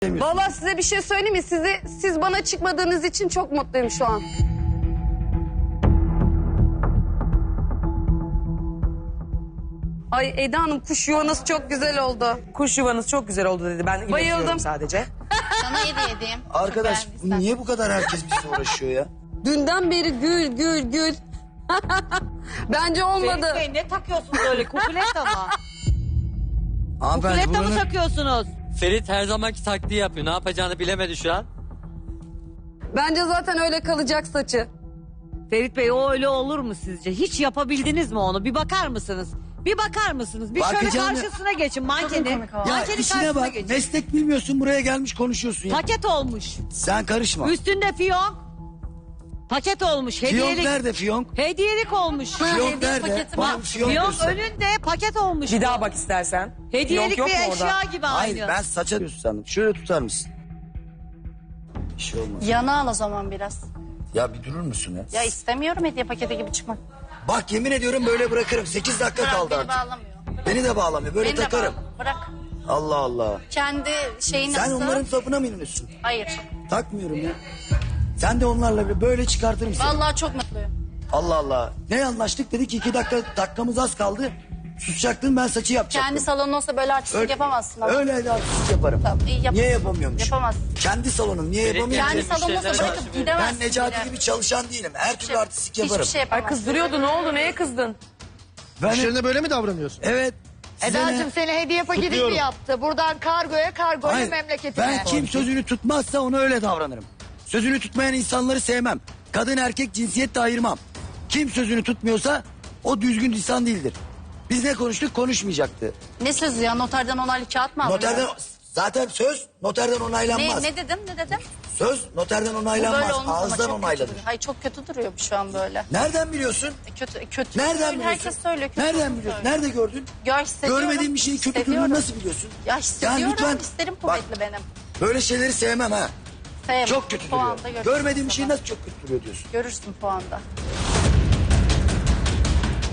Vallahi size bir şey söyleyeyim mi? Siz bana çıkmadığınız için çok mutluyum şu an. Ay Eda Hanım, kuş yuvanız çok güzel oldu. Kuş yuvanız çok güzel oldu dedi. Ben iletiyorum Bayıldım. sadece. Sana hediye edeyim. Arkadaş Çok beğendiysen. niye bu kadar herkes bizle uğraşıyor ya? Dünden beri gül. Bence olmadı. Ferit Bey ne takıyorsunuz öyle? Kukulet ama. Hanımefendi Kukuleta mı buranın... takıyorsunuz? Ferit her zamanki taktiği yapıyor. Ne yapacağını bilemedi şu an. Bence zaten öyle kalacak saçı. Ferit Bey o öyle olur mu sizce? Hiç yapabildiniz mi onu? Bir bakar mısınız? Bir bakar mısınız? Bir şöyle Bakacağım ya. karşısına geçin mankeni. Ya Mankenin işine karşısına bak. geçin. Meslek bilmiyorsun, buraya gelmiş konuşuyorsun ya. Paket olmuş. Sen karışma. Üstünde fiyonk. Paket olmuş. Fiyonk Hediyelik. nerede fiyonk? Hediyelik olmuş. Fiyonk nerede? paketi Bana var. bir fiyonk Fiyonk göster. önünde paket olmuş. Bir bu. daha bak istersen. Hediyelik Yok bir mu orada? eşya gibi Hayır aynı. ben saça diyorsun sandım. Şöyle tutar mısın? Bir şey olmaz. Yana al o zaman biraz. Ya bir durur musun ya? Ya istemiyorum hediye paketi gibi çıkmak. Bak yemin ediyorum böyle bırakırım. 8 dakika Bırak, kaldı beni artık. bağlamıyor. Beni de bağlamıyor. Böyle Beni de takarım. bağlamıyor. Bırak. Allah Allah. Kendi şeyi Sen nasıl? onların sapına mı iniyorsun? Hayır. Takmıyorum ya. Sen de onlarla böyle çıkartırım seni. Vallahi çok mutluyum. Allah Allah. Ne anlaştık? Dedi ki 2 dakikamız az kaldı. Susacaktın, ben saçı yapacaktım. Kendi salonun olsa böyle artistlik yapamazsın ama. Öyle de artistlik yaparım. Tamam, iyi yap. Niye yapamıyormuş? Yapamazsın. Kendi salonum niye yapamıyorum? Kendi Müşterilere salonun olsa karşı bırakıp bir- gidemezsin. Ben Necati bile. gibi çalışan değilim. Her türlü artistlik yaparım. Hiçbir şey Ay yapamazsın. kızdırıyordu, ne oldu, neye kızdın? Ben, İşlerinde böyle mi davranıyorsun? evet. size ne? Eda'cığım seni hediye paketi mi Kutluyorum. yaptı? Buradan kargoya Hayır, memleketine. ben kim sözünü tutmazsa ona öyle davranırım. Sözünü tutmayan insanları sevmem. Kadın erkek cinsiyet de ayırmam. Kim sözünü tutmuyorsa o düzgün insan değildir. Biz ne konuştuk? Konuşmayacaktı. Ne sözü ya? Noterden onaylı kağıt mı aldın? Noterden zaten söz noterden onaylanmaz. Ne dedim? Ne dedim? Söz noterden Bu onaylanmaz. böyle olmaz ama Ağızdan çok kötü onaylanır. duruyor. Hayır çok kötü duruyor bu şu an böyle. Nereden biliyorsun? Kötü. Nereden Söyle, biliyorsun? herkes söylüyor. Kötü Nereden olduğunu biliyorsun? söylüyor. Nerede gördün? Ya hissediyorum. Görmediğin bir şeyin kötü Hissediyorum. durduğunu nasıl biliyorsun? Ya hissediyorum. lütfen. Hislerim Bak, kuvvetli benim. böyle şeyleri sevmem ha. Sevmem. Çok kötü duruyor. Puanda görürsün Görmediğin bir şey sonra. nasıl çok kötü duruyor diyorsun? Görürsün puanda.